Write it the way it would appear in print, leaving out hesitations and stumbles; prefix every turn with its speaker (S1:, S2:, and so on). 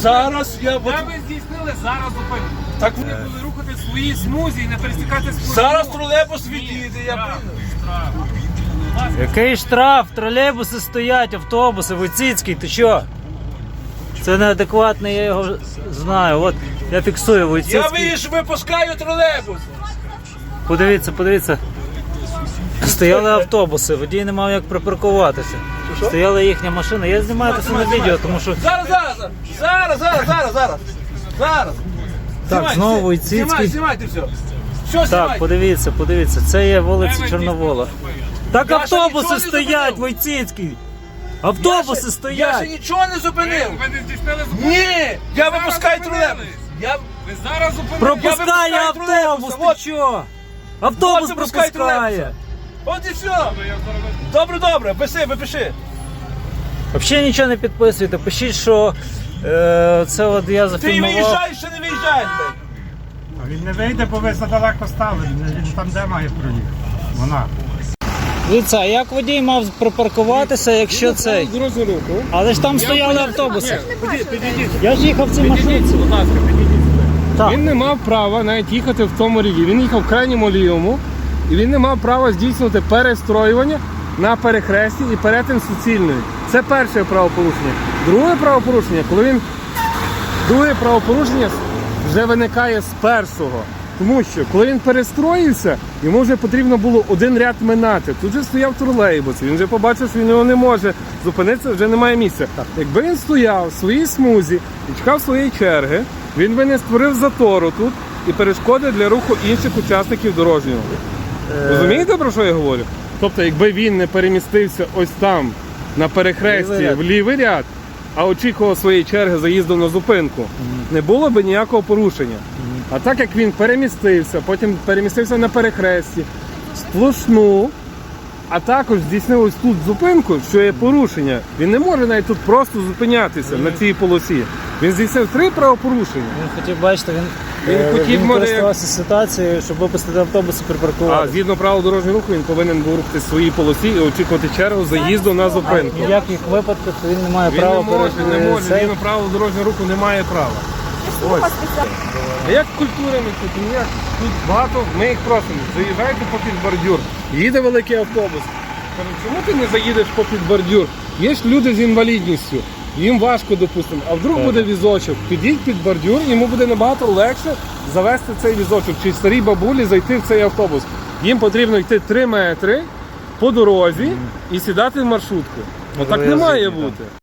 S1: Зараз я...
S2: Де ви здійснили зараз зупинку?
S1: Так,
S2: Ви були рухати свої смузі і не пересікати смузі.
S1: зараз тролейбус відійде, я
S2: Штраф,
S1: прийду.
S2: штраф.
S3: Який штраф? Тролейбуси стоять, автобуси, Войціцький, ти що? Це неадекватний, я його знаю. От я фіксую
S1: Я
S3: Войціцький.
S1: випускаю тролейбус.
S3: Подивіться, подивіться. Стояли автобуси, водій не мав як припаркуватися.
S1: Що?
S3: Стояла їхня машина. Я знімаю це на відео, тому що...
S1: Зараз.
S3: Так, знову Войціцький.
S1: Знімайте все. Все
S3: Так,
S1: знімайте.
S3: подивіться, це є вулиця Чорновола. Так
S1: Я ще
S3: автобуси
S1: нічого не
S3: стоять,
S1: зупинив.
S3: Войціцький! Автобуси
S1: Я ще
S3: стоять!
S1: нічого не зупинив.
S2: Ви не здійснили зупинку?
S1: Ні, я
S2: Зараз
S1: випускаю
S2: зупинили.
S1: тролейбус. Я
S2: Ви зараз зупинили.
S3: Пропускає
S1: Я випускаю
S3: автобус,
S1: тролейбуса,
S3: ти що? Автобус
S1: От випускаю
S3: пропускає!
S1: тролейбуса. От і все. Добре, випиши.
S3: Взагалі нічого не підписуйте, пишіть, що це от я
S1: Ти
S3: зафільмував.
S1: виїжджаєш чи не виїжджаєш? блядь?
S4: А він не вийде, бо ви задалеко стали. Він там де має проїхати. Вона.
S3: Дивіться, а як водій мав припаркуватися, якщо цей?
S2: Дорожню руху.
S3: Але ж там стояли автобуси.
S2: Підійдіть.
S3: Я ж їхав в цій маршрутці.
S2: Будь ласка, підійдіть сюди.
S3: Так.
S2: Він не мав права навіть їхати в тому ряді. Він їхав в крайньому лівому, і він не мав права здійснювати перестроювання на перехресті і перетин суцільної. Це перше правопорушення. Друге правопорушення вже виникає з першого. Тому що, коли він перестроївся, йому вже потрібно було один ряд минати. Тут же стояв тролейбус, він вже побачив, що він його не може зупинитися, вже немає місця. Якби він стояв в своїй смузі і чекав своєї черги, він би не створив затору тут і перешкоди для руху інших учасників дорожнього. Розумієте, про що я говорю? Тобто, якби він не перемістився ось там, на перехресті, в лівий ряд, а очікував своєї черги заїзду на зупинку, не було б ніякого порушення. А так як він перемістився, потім перемістився на перехресті, сплошну, а також здійснив ось тут зупинку, що є порушення, він не може навіть тут просто зупинятися на цій полосі. Він здійснив 3 правопорушення.
S3: Він хотів, бачите,
S2: хотів, може,
S3: користувався ситуацією, щоб випустити автобус і
S2: А
S3: припаркувати.
S2: згідно правил дорожнього руху, він повинен був рухатися в своїй полосі і очікувати чергу заїзду на зупинку.
S3: В ніяких випадках він не має
S2: Він
S3: права
S2: не може,
S3: цей.
S2: згідно правил дорожнього руху немає права. Ось. А як культурами тут? Ніяк. Тут багато, ми їх просимо, заїжджайте попід бордюр. Їде великий автобус. Кажуть, чому ти не заїдеш попід бордюр? Є ж люди з інвалідністю, їм важко, допустимо. А вдруг буде візочок, підіть під бордюр, йому буде набагато легше завести цей візочок, чи старій бабулі зайти в цей автобус. Їм потрібно йти 3 метри по дорозі і сідати в маршрутку. Отак не має бути.